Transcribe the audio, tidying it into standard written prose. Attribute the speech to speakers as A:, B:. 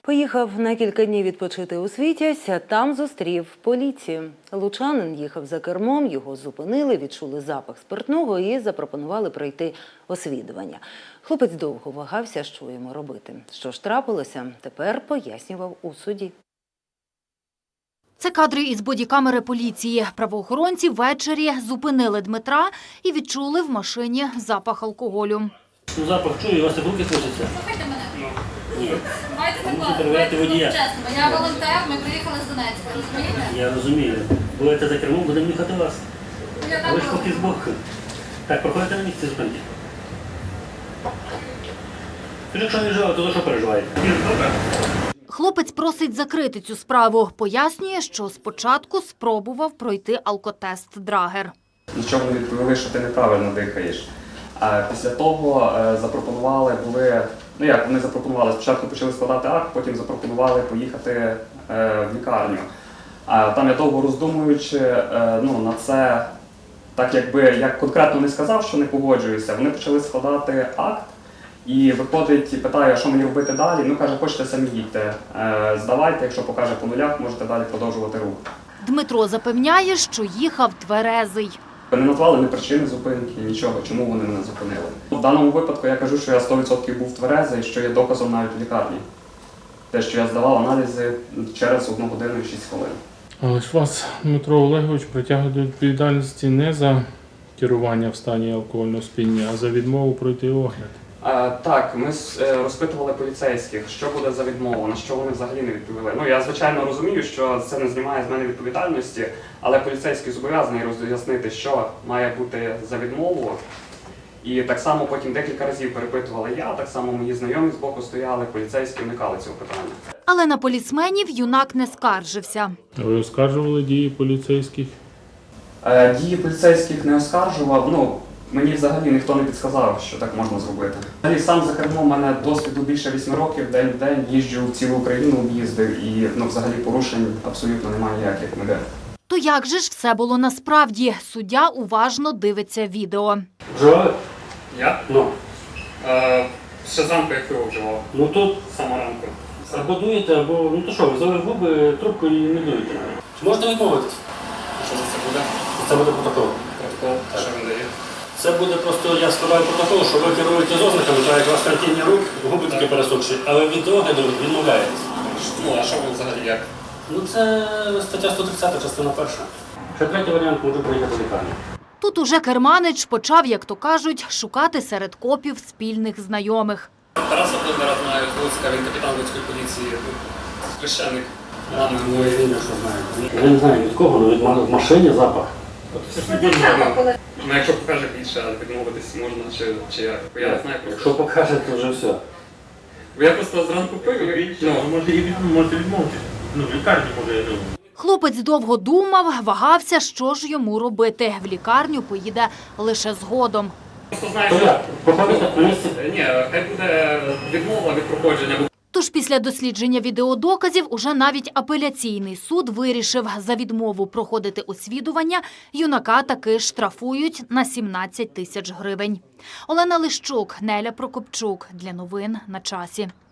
A: Поїхав на кілька днів відпочити у Світязь, а там зустрів поліцію. Лучанин їхав за кермом, його зупинили, відчули запах спиртного і запропонували пройти освідування. Хлопець довго вагався, що йому робити. Що ж трапилося, тепер пояснював у суді.
B: Це кадри із бодікамери поліції. Правоохоронці ввечері зупинили Дмитра і відчули в машині запах алкоголю.
C: Запах чую, у вас так руки трусяться.
D: Слухайте мене.
C: Ні.
D: Давайте
C: Ви
D: так,
C: мусите перевіряти водія.
D: чесно. Я волонтер, ми приїхали з Донецька, розумієте?
C: Я розумію. Будете за кермом, будемо їхати вас.
D: Я
C: А
D: так
C: ви ж
D: роблю.
C: поки збоку. Так, проходите на місце зупинки. Тож якщо не живе, то за що переживаєте? Добре.
B: Хлопець просить закрити цю справу. Пояснює, що спочатку спробував пройти алкотест Драгер.
E: Нічого не відповіли, що ти неправильно дихаєш. А після того запропонували вони запропонували, спочатку почали складати акт, потім запропонували поїхати в лікарню. А там я довго роздумуючи на це, так якби я конкретно не сказав, що не погоджуюся, вони почали складати акт і виходить і питає, що мені робити далі. Ну, каже, хочете самі їдьте, здавайте, якщо покаже по нулях, можете далі продовжувати рух.
B: Дмитро запевняє, що їхав тверезий.
E: Не назвали ні причини зупинки, нічого, чому вони мене зупинили. В даному випадку я кажу, що я 100% був тверезий, що є доказом навіть в лікарні. Те, що я здавав аналізи через 1 годину і 6 хвилин.
F: Але ж вас, Дмитро Олегович, притягує до відповідальності не за керування в стані алкогольного сп'яніння, а за відмову пройти огляд.
E: Так, ми розпитували поліцейських, що буде за відмову, на що вони взагалі не відповіли. Ну, я, звичайно, розумію, що це не знімає з мене відповідальності, але поліцейський зобов'язаний роз'яснити, що має бути за відмову. І так само потім декілька разів перепитували я, так само мої знайомі збоку стояли, поліцейські уникали цього питання.
B: Але на поліцменів юнак не скаржився.
F: Ви оскаржували дії поліцейських?
E: Дії поліцейських не оскаржував, мені взагалі ніхто не підсказав, що так можна зробити. Взагалі сам за кермом, у мене досвіду більше 8 років, день в день їжджу в цілу Україну, об'їздив і взагалі порушень абсолютно немає ніяких ніде.
B: То як же ж все було насправді? Суддя уважно дивиться відео.
C: Вживали?
G: Я?
C: Ну.
G: Ще зранку я пиво вживав.
C: Ну тут
G: Саме ранку.
C: або дуєте, або, ну то що, ви взяли в губи трубку і не дуєте. Чи можете відмовитись?
G: Що за це буде?
C: Це буде протокол.
G: Протокол, що він дає?
C: Це буде просто, я складаю протокол, що ви керуєте з ознаками, так як у вас картинні рук, губи тільки пересохші, але від огляду відмовляєтесь.
G: Ну, а що ви взагалі як?
C: Ну це стаття 130, частина 1. Ще третій варіант, можу приїхати в лікарню.
B: Тут уже керманич почав, як то кажуть, шукати серед копів спільних знайомих.
G: Тараса Плоднера знаю з Луцька, він капітан Луцької поліції, священник.
C: Ну, я не знаю. Я не знаю від кого, але від в машині запах.
G: Ну, якщо покаже більше, відмовитись можна, чи як? Бо я не знаю
C: Якщо
G: просто.
C: покажете, то вже все.
G: Бо я просто зранку пив і...
C: Можете відмовитися. Ну, в лікарні може, я думаю.
B: Хлопець довго думав, вагався, що ж йому робити. В лікарню поїде лише згодом.
G: Просто знаю,
C: То
G: що...
C: як? Проходите на місці?
G: Ні, хай буде відмова від проходження.
B: Тож після дослідження відеодоказів уже навіть апеляційний суд вирішив, за відмову проходити освідування юнака таки штрафують на 17 тисяч гривень. Олена Лищук, Неля Прокопчук. Для новин на часі.